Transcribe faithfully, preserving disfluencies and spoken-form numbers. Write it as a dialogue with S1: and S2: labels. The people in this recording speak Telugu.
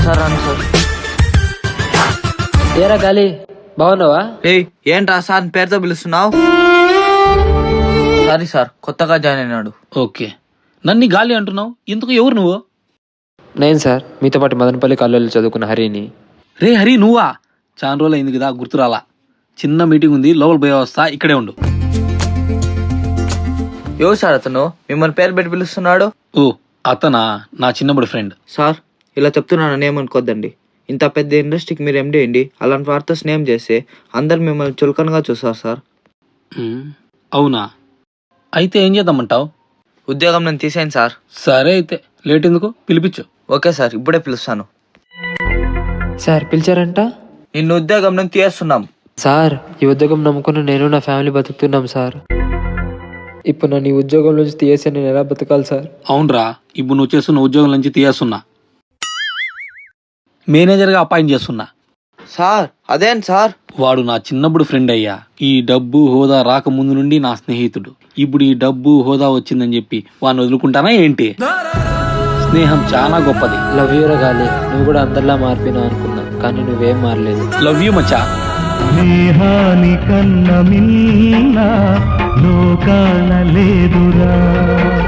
S1: సార్ రాను సార్.
S2: ఏరా గాలి బాగున్నావా?
S1: ఏయ్ ఏంట్రా సార్ పేరుతో పిలుస్తున్నావు? సారీ సార్, కొత్తగా జాయిన్ అయినాడు.
S3: ఓకే, నన్ను గాలి అంటున్నావు, ఇందుకు ఎవరు నువ్వు?
S2: నేను సార్ మీతో పాటు మదనపల్లి కాలేజీలో చదువుకున్న హరిని.
S3: రే హరి, నువ్వా? చాలా రోజులు అయింది కదా, గుర్తురాలా. చిన్న మీటింగ్ ఉంది, లోపల పోయే వస్తా, ఇక్కడే ఉండు.
S1: ఎవరు సార్ అతను మిమ్మల్ని పేరు పెట్టి పిలుస్తున్నాడు?
S3: ఓ అతనా, నా చిన్నప్పుడు ఫ్రెండ్.
S1: సార్ ఇలా చెప్తున్నానని ఏమనుకోద్దండి. ఇంత పెద్ద ఇండస్ట్రీకి మీరు ఎండి అండి, అలాంటి వారితో స్నేహం చేస్తే అందరు మిమ్మల్ని చులకనగా చూస్తారు సార్.
S3: ఉమ్, అవునా? అయితే ఏం చేద్దామంటావు?
S1: ఉద్యోగం నేను తీసేయండి సార్.
S3: సరే అయితే లేట్ ఎందుకు, పిలిపించు.
S1: ఓకే సార్, ఇప్పుడే పిలుస్తాను.
S2: సార్ పిలిచారంట?
S1: నిన్ను ఉద్యోగం నుంచి తీయేస్తున్నాం.
S2: సార్ ఈ ఉద్యోగం నమ్ముకున్న నేను నా ఫ్యామిలీ బతుకుతున్నాం సార్. ఇప్పుడు నన్ను ఈ ఉద్యోగం నుంచి తీసేసి నేను ఎలా బతకాలి సార్?
S3: అవునరా, ఇప్పుడు నువ్వు చేస్తున్న ఉద్యోగం నుంచి తీయేస్తున్నా, మేనేజర్గా అపాయింట్ చేస్తున్నా.
S1: సార్ అదేంటి సార్?
S3: వాడు నా చిన్నప్పుడు ఫ్రెండ్ అయ్యా. ఈ డబ్బు హోదా రాకముందు నుండి నా స్నేహితుడు. ఇప్పుడు ఈ డబ్బు హోదా వచ్చిందని చెప్పి వాడిని వదులుకుంటానా ఏంటి? స్నేహం చాలా గొప్పది.
S2: లవ్ యూ రా గాలి, నువ్వు కూడా అందరిలా మారిపోయినావు అనుకున్నా, కానీ నువ్వేం మారలేదు.
S3: లవ్ యూ మచ్చా.
S4: స్నేహానికన్న మిన్న లోకాల లేదురా.